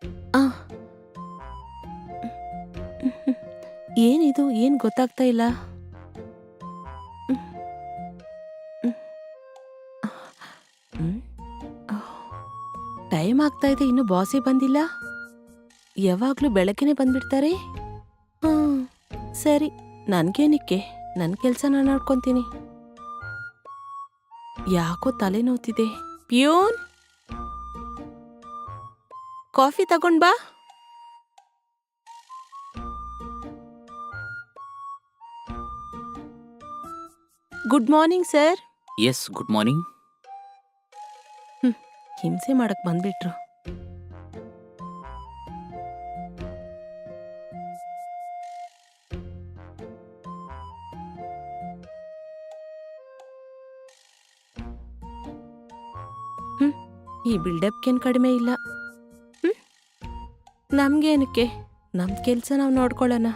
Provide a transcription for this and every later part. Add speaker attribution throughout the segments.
Speaker 1: ಆ, ಏನಿದು ಏನ್ ಗೊತ್ತಾಗ್ತಾ ಇಲ್ಲ. ಟೈಮ್ ಆಗ್ತಾ ಇದೆ, ಇನ್ನು ಬಾಸೇ ಬಂದಿಲ್ಲ. ಯಾವಾಗ್ಲೂ ಬೆಳಗ್ಗೆನೆ ಬಂದ್ಬಿಡ್ತಾರೆ. ಸರಿ, ನನ್ಗೇನಿಕ್ಕೆ, ನನ್ ಕೆಲ್ಸ ನಾನು ನೋಡ್ಕೊಂತೀನಿ. ಯಾಕೋ ತಲೆ ನೋವ್ತಿದೆ. ಪ್ಯೂನ್, ಕಾಫಿ ತಗೊಂಡ್ ಬಾ. Good morning sir.
Speaker 2: Yes, good morning.
Speaker 1: ಹಿಂಸೆ ಮಾಡಕ್ ಬಂದ್ಬಿಟ್ರು. ಈ ಬಿಲ್ಡಪ್ಗೇನ್ ಕಡಿಮೆ ಇಲ್ಲ. ನಮ್ಗೇನಕ್ಕೆ, ನಮ್ ಕೆಲ್ಸ ನಾವ್ ನೋಡ್ಕೊಳ್ಳೋಣ.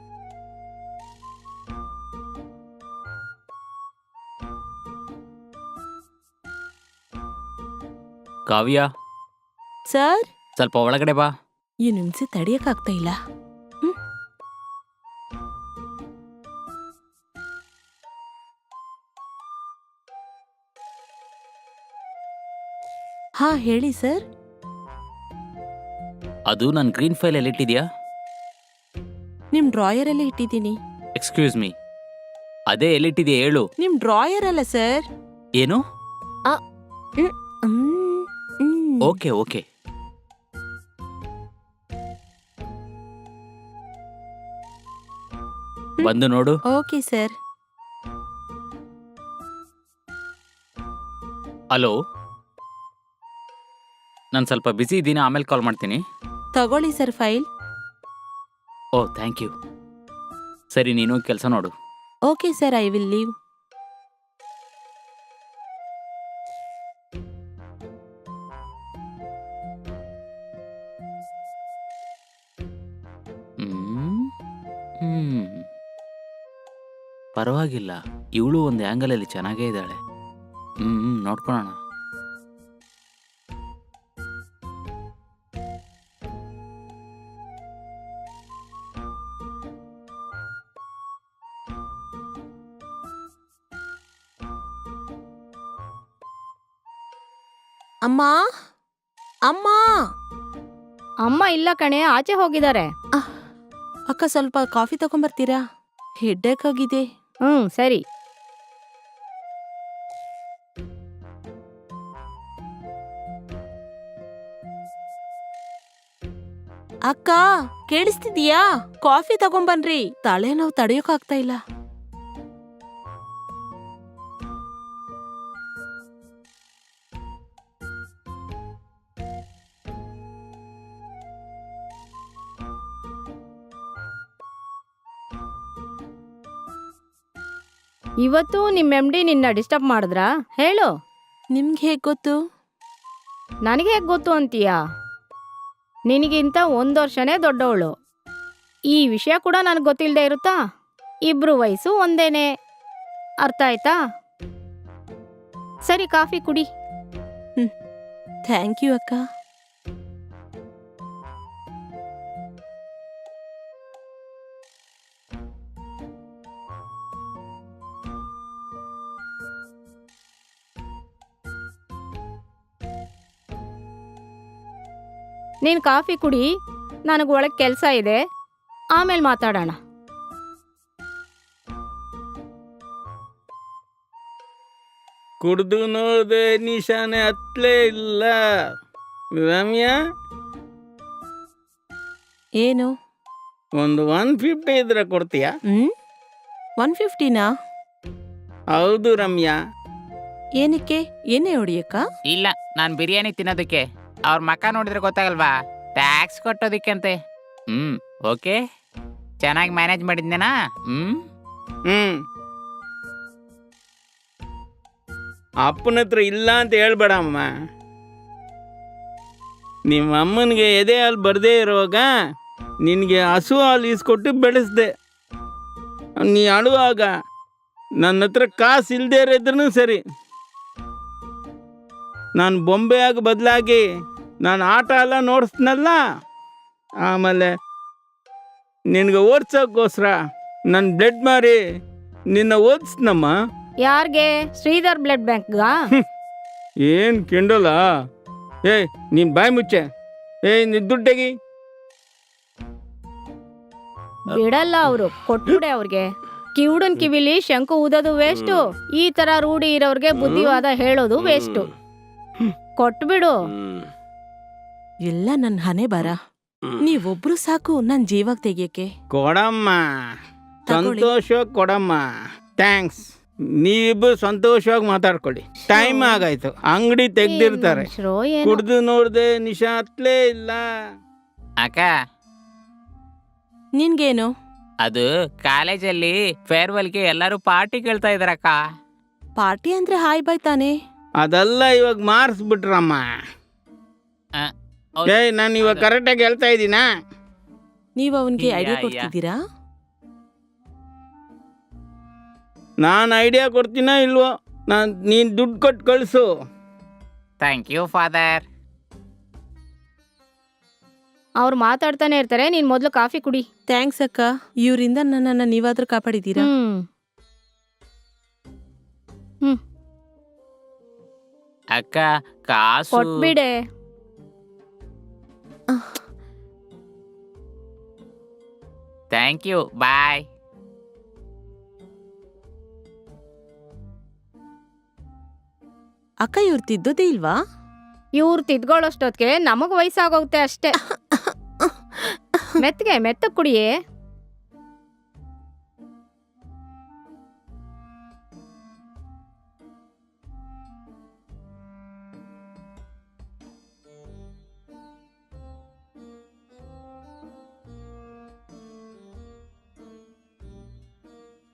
Speaker 2: ಕಾವ್ಯ,
Speaker 1: ಸರ್,
Speaker 2: ಸ್ವಲ್ಪ ಒಳಗಡೆ ಬಾ.
Speaker 1: ಈ ಹಿಂಸೆ ತಡಿಯಕ್ಕಾಗ್ತಾ ಇಲ್ಲ. ಹಾ, ಹೇಳಿ ಸರ್.
Speaker 2: ಅದು ನನ್ನ ಗ್ರೀನ್ ಫೈಲ್ ಎಲ್ಲಿಟ್ಟಿದ್ಯಾ?
Speaker 1: ನಿಮ್ ಡ್ರಾಯರ್ ಅಲ್ಲಿ ಇಟ್ಟಿದ್ದೀನಿ.
Speaker 2: ಎಕ್ಸ್ಕ್ಯೂಸ್ ಮೀ, ಅದೇ ಎಲ್ಲಿಟ್ಟಿದ್ಯಾ ಹೇಳು.
Speaker 1: ನಿಮ್ ಡ್ರಾಯರ್ ಅಲ್ಲ ಸರ್.
Speaker 2: ಏನು?
Speaker 1: Hmm, hmm.
Speaker 2: Okay okay. ಬಂದು ನೋಡು.
Speaker 1: Okay sir.
Speaker 2: ಹಲೋ, ನಾನು ಸ್ವಲ್ಪ ಬ್ಯುಸಿ ಇದ್ದೀನಿ, ಆಮೇಲೆ ಕಾಲ್ ಮಾಡ್ತೀನಿ.
Speaker 1: ತಗೊಳ್ಳಿ sir file.
Speaker 2: Oh, thank you. ಸರಿ, ನೀನು ಕೆಲಸ ನೋಡು.
Speaker 1: Okay sir, I will leave.
Speaker 2: ಪರವಾಗಿಲ್ಲ, ಇವಳು ಒಂದು ಆ್ಯಂಗಲಲ್ಲಿ ಚೆನ್ನಾಗೇ ಇದ್ದಾಳೆ. ನೋಡ್ಕೊಳ್ಳೋಣ.
Speaker 1: ಅಮ್ಮ, ಅಮ್ಮ.
Speaker 3: ಅಮ್ಮ ಇಲ್ಲ ಕಣೆ, ಆಚೆ ಹೋಗಿದ್ದಾರೆ.
Speaker 1: ಅಕ್ಕ, ಸ್ವಲ್ಪ ಕಾಫಿ ತಗೊಂಬರ್ತೀರಾ? ಹೆಡ್ಡೇಕ್ ಆಗಿದೆ.
Speaker 3: ಸರಿ.
Speaker 1: ಅಕ್ಕ, ಕೇಳಿಸ್ತಿದೀಯಾ? ಕಾಫಿ ತಗೊಂಬನ್ರಿ, ತಲೆನೋವು ತಡೆಯೋಕಾಗ್ತಾ ಇಲ್ಲ.
Speaker 3: ಇವತ್ತು ನಿಮ್ MD ನಿನ್ನ ಡಿಸ್ಟರ್ಬ್ ಮಾಡಿದ್ರಾ? ಹೇಳು.
Speaker 1: ನಿಮ್ಗೆ ಹೇಗ್ ಗೊತ್ತು?
Speaker 3: ನನಗೆ ಹೇಗೆ ಗೊತ್ತು ಅಂತೀಯಾ? ನಿನಗಿಂತ 1 ವರ್ಷನೇ ದೊಡ್ಡವಳು. ಈ ವಿಷಯ ಕೂಡ ನನಗೆ ಗೊತ್ತಿಲ್ಲದೆ ಇರುತ್ತಾ? ಇಬ್ರು ವಯಸ್ಸು ಒಂದೇನೆ, ಅರ್ಥ ಆಯ್ತಾ? ಸರಿ, ಕಾಫಿ ಕುಡಿ.
Speaker 1: ಥ್ಯಾಂಕ್ ಯು ಅಕ್ಕ.
Speaker 3: ನೀನು ಕಾಫಿ ಕುಡಿ, ನನಗೆ ಒಳಗೆ ಕೆಲಸ ಇದೆ, ಆಮೇಲೆ ಮಾತಾಡೋಣ.
Speaker 4: ಕುಡ್ದು ನೋಡಿದೆ, ನಿಶಾನೆ ಹತ್ಲೇ ಇಲ್ಲ. ರಮ್ಯಾ,
Speaker 1: ಏನು?
Speaker 4: ಒಂದು 150 ಇದ್ರೆ ಕೊಡ್ತೀಯಾ?
Speaker 1: 150ನಾ?
Speaker 4: ಹೌದು ರಮ್ಯಾ.
Speaker 1: ಏನಕ್ಕೆ? ಏನೇ ಹೊಡಿಯಕ್ಕ?
Speaker 2: ಇಲ್ಲ, ನಾನು ಬಿರಿಯಾನಿ ತಿನ್ನೋದಕ್ಕೆ. ಅವ್ರ ಮಕ್ಕ ನೋಡಿದ್ರೆ ಗೊತ್ತಾಗಲ್ವಾ? ಟ್ಯಾಕ್ಸ್ ಕೊಟ್ಟೋದಕ್ಕಂತೆ. ಓಕೆ, ಚೆನ್ನಾಗಿ ಮ್ಯಾನೇಜ್ ಮಾಡಿದ್ನೇನಾ?
Speaker 4: ಅಪ್ಪನ ಹತ್ರ ಇಲ್ಲ ಅಂತ ಹೇಳ್ಬೇಡ ಅಮ್ಮ. ನಿಮ್ಮ ಅಮ್ಮನಿಗೆ ಎದೆ ಹಾಲು ಬರದೇ ಇರುವಾಗ ನಿನಗೆ ಹಸು ಹಾಲು ಈಸ್ಕೊಟ್ಟು ಬೆಳೆಸ್ದೆ. ನೀ ಅಳುವಾಗ ನನ್ನ ಹತ್ರ ಕಾಸು ಇಲ್ಲದೆ ಇರೋದ್ರೂ ಸರಿ, ನಾನು ಬೊಂಬೆಯಾಗಿ ಬದಲಾಗಿ ನಾನು ಆಟ ಎಲ್ಲ ನೋಡಿಸ್ನಲ್ಲ. ಆಮೇಲೆ ನಿನಗೆ ಓದ್ಸೋಕ್ಕೋಸ್ಕರ ನನ್ನ ಬ್ಲಡ್ ಮಾರಿ ನಿನ್ನ ಓದಿಸ್ನಮ್ಮ.
Speaker 3: ಯಾರ್ಗೆ? ಶ್ರೀಧರ್ ಬ್ಲಡ್ ಬ್ಯಾಂಕ್ಗಾ?
Speaker 4: ಏನು ಕಿಂಡಲ್ಲ? ಏಯ್ ನೀನು ಬಾಯಿ ಮುಚ್ಚೆ. ಏಯ್ ನೀನು ದುಡ್ಡೆಗಿ.
Speaker 3: ಬಿಡಲ್ಲ ಅವರು, ಕೊಟ್ಬಿಡೆ ಅವ್ರಿಗೆ. ಕಿವುಡನ್ ಕಿವಿಲಿ ಶಂಕು ಊದೋದು ವೇಸ್ಟು, ಈ ತರ ರೂಢಿ ಇರೋರ್ಗೆ ಬುದ್ಧಿವಾದ ಹೇಳೋದು ವೇಸ್ಟು. ಕೊಟ್ಬಿಡು.
Speaker 1: ಎಲ್ಲ ನನ್ನ ಹಣೆ ಬರ. ನೀವೊಬ್ರು ಸಾಕು ನನ್ ಜೀವಾಗ ತೆಗಿಯಕ್ಕೆ.
Speaker 4: ಕೊಡಮ್ಮ,
Speaker 1: ತಗೊಳ್ಳಿ.
Speaker 4: ಸಂತೋಷವಾಗಿ ಕೊಡಮ್ಮ. ಥ್ಯಾಂಕ್ಸ್. ನೀವಿಬ್ಬರು ಸಂತೋಷವಾಗಿ ಮಾತಾಡ್ಕೊಳ್ಳಿ. ಟೈಮ್ ಆಗಾಯ್ತು, ಅಂಗಡಿ ತೆಗ್ದಿರ್ತಾರೆ.
Speaker 3: ಮನುಷ್ಯರೋ ಏನೋ.
Speaker 4: ಕುಡ್ದು ನೋಡ್ದೆ ನಿಶಾ ಹತ್ಲೇ ಇಲ್ಲ.
Speaker 2: ಅಕ್ಕ,
Speaker 1: ನಿನ್ಗೇನು?
Speaker 2: ಅದು ಕಾಲೇಜಲ್ಲಿ ಫೇರ್ವೆಲ್ಗೆ ಎಲ್ಲರೂ ಪಾರ್ಟಿ ಕೇಳ್ತಾ ಇದಾರಕ್ಕ.
Speaker 1: ಪಾರ್ಟಿ ಅಂದ್ರೆ ಹಾಯ್ ಬಾಯ್ ತಾನೆ.
Speaker 4: ಅದೆಲ್ಲ ಇವಾಗ ಮಾರಿಸ್ಬಿಟ್ರಮ್ಮ.
Speaker 2: ಹೌದು.
Speaker 4: ಏಯ್ ನಾನು ಇವಾಗ ಕರೆಕ್ಟಾಗಿ ಹೇಳ್ತಾ ಇದ್ದೀನಾ?
Speaker 1: ನೀವ್ ಅವನ್ಗೆ ಐಡಿಯಾ
Speaker 2: ಯಾ.
Speaker 1: ಕೊಡ್ತಿದ್ದೀರಾ?
Speaker 4: ನಾನು ಐಡಿಯಾ ಕೊಡ್ತೀನೋ ಇಲ್ವೋ, ನೀನು ದುಡ್ಡು ಕೊಟ್ಟು ಕಳಿಸು.
Speaker 2: Thank you father.
Speaker 3: ಅವ್ರು ಮಾತಾಡ್ತಾನೆ ಇರ್ತಾರೆ, ನೀನ್ ಮೊದ್ಲು ಕಾಫಿ ಕುಡಿ.
Speaker 1: ಥ್ಯಾಂಕ್ಸ್ ಅಕ್ಕ, ಇವರಿಂದ ನನ್ನನ್ನ ನೀವಾದ್ರೂ ಕಾಪಾಡಿದ್ದೀರಾ.
Speaker 2: ಅಕ್ಕ, ಕಾಸು
Speaker 3: ಕೊಟ್ಬಿಡೆ.
Speaker 2: ಥ್ಯಾಂಕ್ ಯು, ಬಾಯ್.
Speaker 1: ಅಕ್ಕ ಇವ್ರು ತಿದ್ದೋದೇ ಇಲ್ವಾ?
Speaker 3: ಇವ್ರು ತಿದ್ಕೊಳ್ಳೋಷ್ಟೊತ್ತಿಗೆ ನಮಗ್ ವಯಸ್ಸಾಗೋಗುತ್ತೆ ಅಷ್ಟೇ. ಮೆತ್ತಗೆ ಕುಡಿಯೇ.